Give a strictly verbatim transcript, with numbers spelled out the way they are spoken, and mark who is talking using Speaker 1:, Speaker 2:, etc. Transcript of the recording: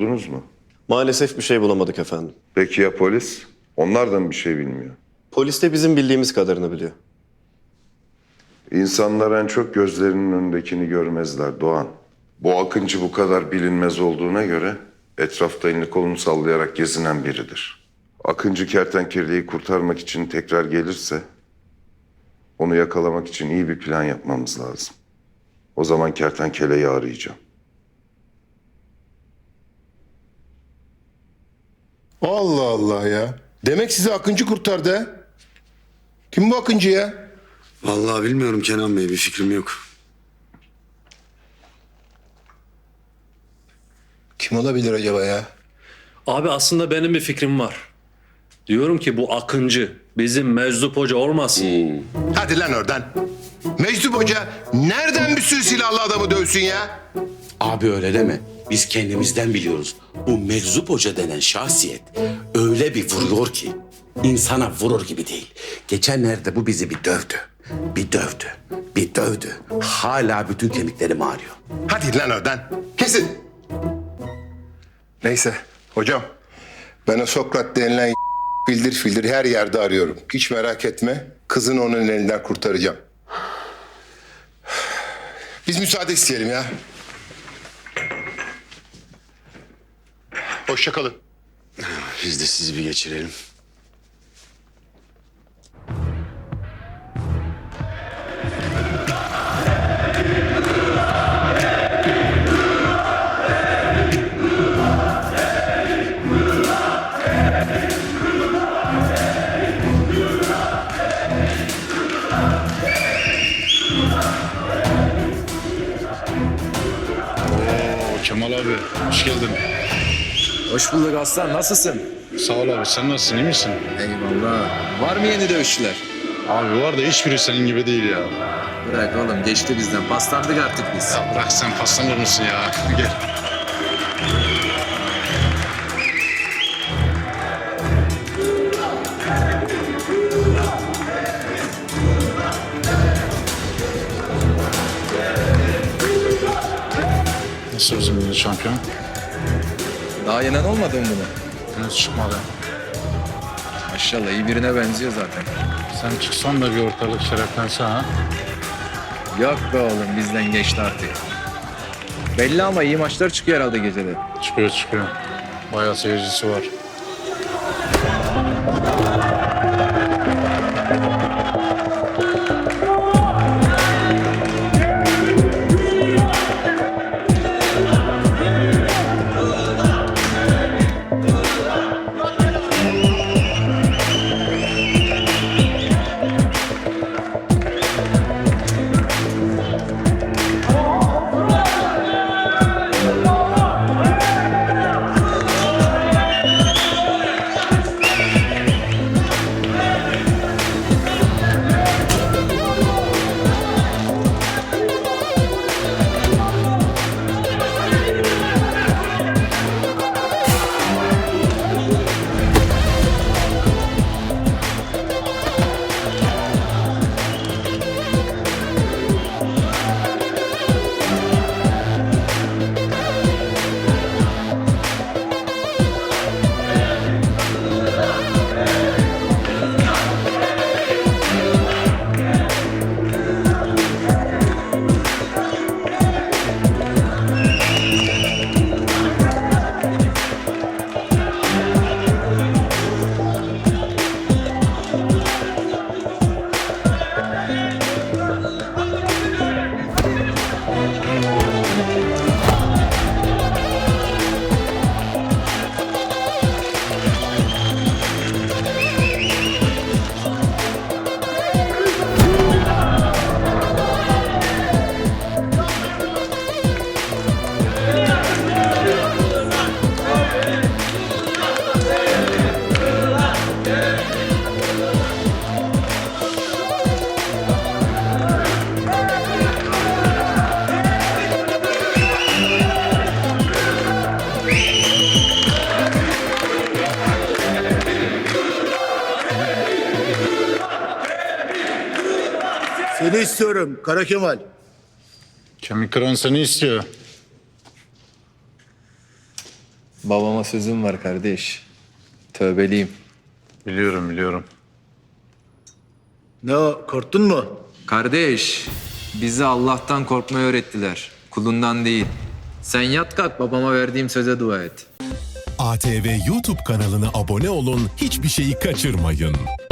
Speaker 1: buldunuz mu?
Speaker 2: Maalesef bir şey bulamadık efendim.
Speaker 1: Peki ya polis? Onlar da mı bir şey bilmiyor?
Speaker 2: Polis de bizim bildiğimiz kadarını biliyor.
Speaker 1: İnsanlar en çok gözlerinin önündekini görmezler Doğan. Bu Akıncı bu kadar bilinmez olduğuna göre etrafta elini kolunu sallayarak gezinen biridir. Akıncı kertenkeleyi kurtarmak için tekrar gelirse onu yakalamak için iyi bir plan yapmamız lazım. O zaman kertenkeleyi arayacağım.
Speaker 3: Allah Allah ya. Demek sizi Akıncı kurtardı ha? Kim bu Akıncı ya?
Speaker 4: Vallahi bilmiyorum Kenan Bey, bir fikrim yok.
Speaker 3: Kim olabilir acaba ya?
Speaker 5: Abi aslında benim bir fikrim var. Diyorum ki bu Akıncı bizim Meczup Hoca olmasın.
Speaker 3: Hadi lan oradan. Meczup Hoca nereden bir sürü silahlı adamı dövsün ya?
Speaker 6: Abi öyle deme. Biz kendimizden biliyoruz. Bu Meczup Hoca denen şahsiyet öyle bir vuruyor ki insana vurur gibi değil. Geçenlerde bu bizi bir dövdü. Bir dövdü. Bir dövdü. Hala bütün kemiklerim ağrıyor.
Speaker 3: Hadi lan oradan. Kesin. Neyse hocam. Ben o Sokrat denilen fildir fildir her yerde arıyorum. Hiç merak etme. Kızını onun elinden kurtaracağım. Biz müsaade isteyelim ya. Hoşça kalın.
Speaker 4: Biz de sizi bir geçirelim.
Speaker 7: Kemal abi, hoş geldin.
Speaker 8: Hoş bulduk aslan. Nasılsın?
Speaker 7: Sağ ol abi, sen nasılsın, iyi misin?
Speaker 8: Eyvallah. Var mı yeni dövüşçüler?
Speaker 7: Abi var da hiçbiri senin gibi değil ya.
Speaker 8: Bırak oğlum geçti bizden. Paslandık artık biz.
Speaker 7: Ya bırak sen paslanır mısın ya? Gel. Nasıl bizim milli şampiyon?
Speaker 8: Daha yenen olmadı mı bunu?
Speaker 7: Henüz çıkmadı.
Speaker 8: Maşallah iyi birine benziyor zaten.
Speaker 7: Sen çıksan da bir ortalık şereflense ha?
Speaker 8: Yok be oğlum bizden geçti artık. Belli ama iyi maçlar çıkıyor herhalde gecede.
Speaker 7: Çıkıyor çıkıyor. Bayağı seyircisi var.
Speaker 9: Seni istiyorum Kara Kemal.
Speaker 7: Kemik kıran seni istiyor.
Speaker 8: Babama sözüm var kardeş. Tövbeliyim.
Speaker 7: Biliyorum biliyorum.
Speaker 9: Ne o, korktun mu?
Speaker 8: Kardeş, bizi Allah'tan korkmayı öğrettiler. Kulundan değil. Sen yat kalk babama verdiğim söze dua et.
Speaker 10: A T V YouTube kanalına abone olun, hiçbir şeyi kaçırmayın.